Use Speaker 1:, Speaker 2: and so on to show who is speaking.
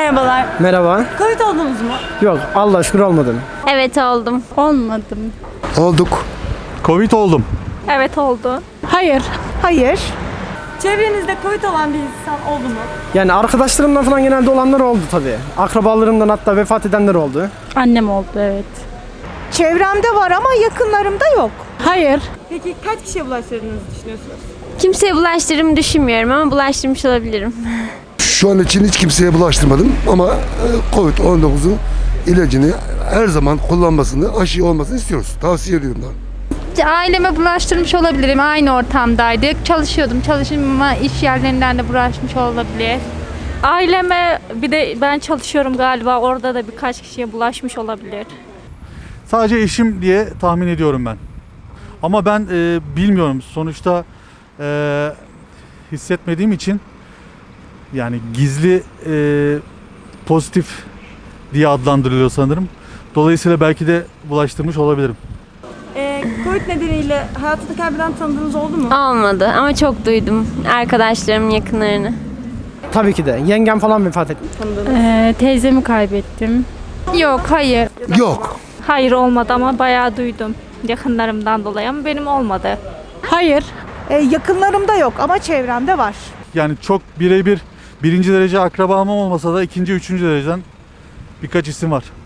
Speaker 1: Merhabalar.
Speaker 2: Merhaba.
Speaker 1: Covid oldunuz mu?
Speaker 2: Yok, Allah şükür olmadım.
Speaker 3: Evet oldum.
Speaker 4: Olmadım.
Speaker 5: Olduk.
Speaker 6: Covid oldum.
Speaker 3: Evet oldu.
Speaker 4: Hayır. Hayır.
Speaker 1: Çevrenizde Covid olan bir insan oldu mu?
Speaker 2: Yani arkadaşlarımdan falan genelde olanlar oldu tabii. Akrabalarımdan hatta vefat edenler oldu.
Speaker 4: Annem oldu, evet.
Speaker 7: Çevremde var ama yakınlarımda yok.
Speaker 4: Hayır.
Speaker 1: Peki kaç kişiye bulaştırdığınızı düşünüyorsunuz?
Speaker 3: Kimseye bulaştırdığımı düşünmüyorum ama bulaştırmış olabilirim.
Speaker 5: Şu an için hiç kimseye bulaştırmadım ama Covid-19'un ilacını her zaman kullanmasını, aşı olmasını istiyoruz. Tavsiye ediyorum da.
Speaker 4: Aileme bulaştırmış olabilirim. Aynı ortamdaydık. Çalışıyordum. Çalışma iş yerlerinden de bulaşmış olabilir.
Speaker 8: Aileme bir de ben çalışıyorum galiba orada da birkaç kişiye bulaşmış olabilir.
Speaker 6: Sadece eşim diye tahmin ediyorum ben. Ama ben bilmiyorum. Sonuçta hissetmediğim için yani gizli pozitif diye adlandırılıyor sanırım. Dolayısıyla belki de bulaştırmış olabilirim.
Speaker 1: Covid nedeniyle hayatını kaybeden tanıdığınız oldu mu?
Speaker 3: Olmadı ama çok duydum arkadaşlarımın yakınlarını.
Speaker 2: Tabii ki de. Yengem falan vefat etti.
Speaker 4: Teyzemi kaybettim. Yok, hayır.
Speaker 5: Yok.
Speaker 8: Hayır olmadı ama bayağı duydum yakınlarımdan dolayı ama benim olmadı.
Speaker 4: Hayır.
Speaker 7: Yakınlarımda yok ama çevremde var.
Speaker 6: Yani çok birebir birinci derece akrabam olmasa da ikinci, üçüncü dereceden birkaç isim var.